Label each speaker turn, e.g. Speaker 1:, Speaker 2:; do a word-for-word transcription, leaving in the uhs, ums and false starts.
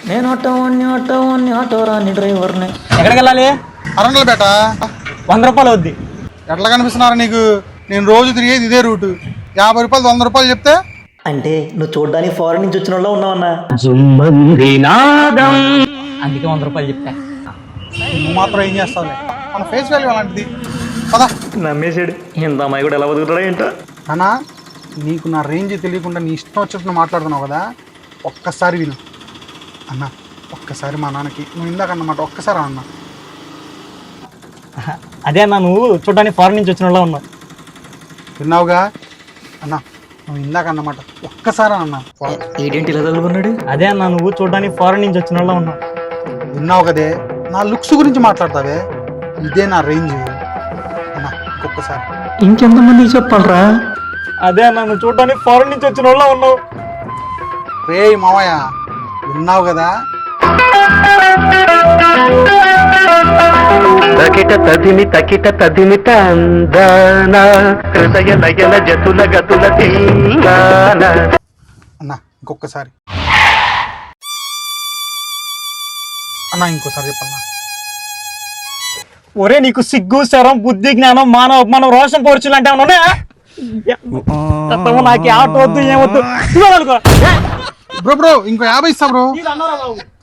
Speaker 1: నేను ఆటో వాడిని ఆటో వాడిని ఆటో రాని డ్రైవర్ని.
Speaker 2: ఎక్కడికి వెళ్ళాలి?
Speaker 3: అరంగల్ బేట
Speaker 2: వంద రూపాయలు అవుద్ది.
Speaker 3: ఎట్లా కనిపిస్తున్నారా నీకు? నేను రోజు తిరిగేది ఇదే రూటు. యాభై రూపాయలు వంద రూపాయలు చెప్తే
Speaker 1: అంటే నువ్వు చూడడానికి ఫారెన్ నుంచి వచ్చిన వాళ్ళ ఉన్నావన్నా.
Speaker 2: అందుకే వంద రూపాయలు చెప్తా.
Speaker 3: నువ్వు మాత్రం ఏం చేస్తావులే, మన ఫేస్ వాల్యూ అలాంటిది. పదా
Speaker 1: నమ్మేసాడు. ఇంత అమ్మాయి కూడా ఎలా బతుకుతాడా ఏంటో.
Speaker 3: అన్నా, నీకు నా రేంజ్ తెలియకుండా నీ ఇష్టం వచ్చినట్టు మాట్లాడుతున్నావు కదా, ఒక్కసారి విను అన్న. ఒక్కసారి మా నాన్నకి నువ్వు ఇందాక అన్నమాట ఒక్కసారి అన్న.
Speaker 2: అదే అన్న, నువ్వు చూడడానికి ఫారెన్ నుంచి వచ్చిన వాళ్ళ ఉన్నావు.
Speaker 3: విన్నావుగా అన్న, నువ్వు ఇందాక అన్నమాట ఒక్కసారి అన్న.
Speaker 1: ఏంటి ఇలా తగులుకున్నాడు?
Speaker 2: అదే అన్న, నువ్వు చూడడానికి ఫారెన్ నుంచి వచ్చిన వాళ్ళ ఉన్నావు.
Speaker 3: విన్నావు కదే, నా లుక్స్ గురించి మాట్లాడతావే, ఇదే నా రేంజ్ అన్న. ఇంకొకసారి
Speaker 1: ఇంకెంతమందికి చెప్పాలరా?
Speaker 2: అదే అన్న, నువ్వు చూడడానికి ఫారెన్ నుంచి వచ్చిన వాళ్ళ ఉన్నావు.
Speaker 3: రే మావయ్య, విన్నావు కదా?
Speaker 4: తకిట తదిమి తకిట తదిమి తందాన హృదయ లయల జతుల గతుల తెల్లాన.
Speaker 3: అన్న ఇంకొకసారి అన్న, ఇంకోసారి చెప్పన్నా.
Speaker 2: ఒరే, నీకు సిగ్గు శరం బుద్ధి జ్ఞానం మానవ మనం రోషం పోర్చులు అంటే ఏమన్నా నాకు ఆటో వద్దు ఏమొద్దు.
Speaker 3: బ్రో బ్రో ఇంకో యాభై ఇస్తా బ్రో.
Speaker 2: అన్నారా బాబు?